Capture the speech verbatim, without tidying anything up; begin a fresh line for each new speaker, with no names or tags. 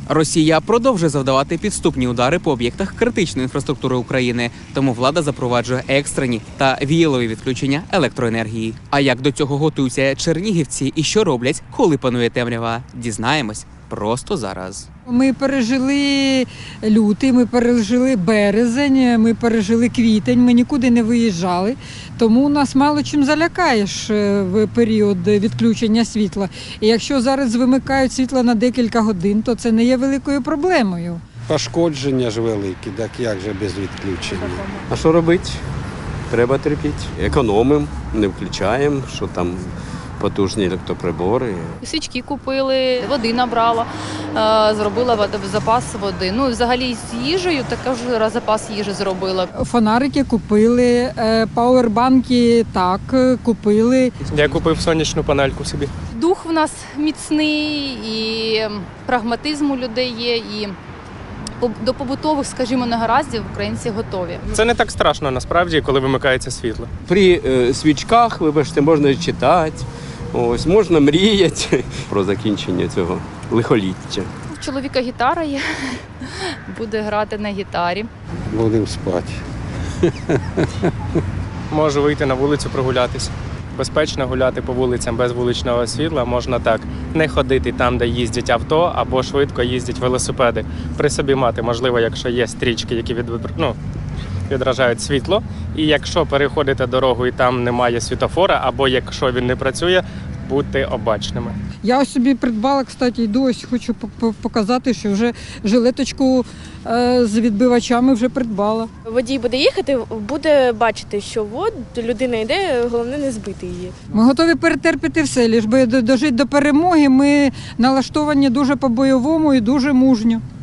Росія продовжує завдавати підступні удари по об'єктах критичної інфраструктури України, тому влада запроваджує екстрені та віялові відключення електроенергії. А як до цього готуються чернігівці і що роблять, коли панує темрява, дізнаємось просто зараз.
Ми пережили лютий, ми пережили березень, ми пережили квітень, ми нікуди не виїжджали, тому нас мало чим залякаєш в період відключення світла. І якщо зараз вимикають світло на декілька годин, то це не є великою проблемою.
Пошкодження ж великі, так як же без відключення?
А що робити? Треба терпіти. Економимо, не включаємо, що там потужні електроприбори.
Свічки купили, води набрала, е, зробила вод- запас води. Ну і взагалі з їжею також запас їжі зробила.
Фонарики купили, е, пауербанки так, купили.
Я купив сонячну панельку собі.
Дух в нас міцний, і прагматизм у людей є, і по- до побутових, скажімо, негараздів українці готові.
Це не так страшно насправді, коли вимикається світло.
При е, свічках, вибачте, можна читати, ось, можна мріяти про закінчення цього лихоліття.
У чоловіка гітара є, буде грати на гітарі.
Будемо спати.
Можу вийти на вулицю прогулятися. Безпечно гуляти по вулицям без вуличного світла можна так. Не ходити там, де їздять авто, або швидко їздять велосипеди. При собі мати, можливо, якщо є стрічки, які від, ну, відражають світло. І якщо переходите дорогу і там немає світофора, або якщо він не працює, будьте обачними.
Я ось собі придбала, кстати, йду, ось хочу по- показати, що вже жилеточку е, з відбивачами вже придбала.
Водій буде їхати, буде бачити, що от людина йде, головне не збити її.
Ми готові перетерпіти все, лиш би дожити до перемоги. Ми налаштовані дуже по-бойовому і дуже мужньо.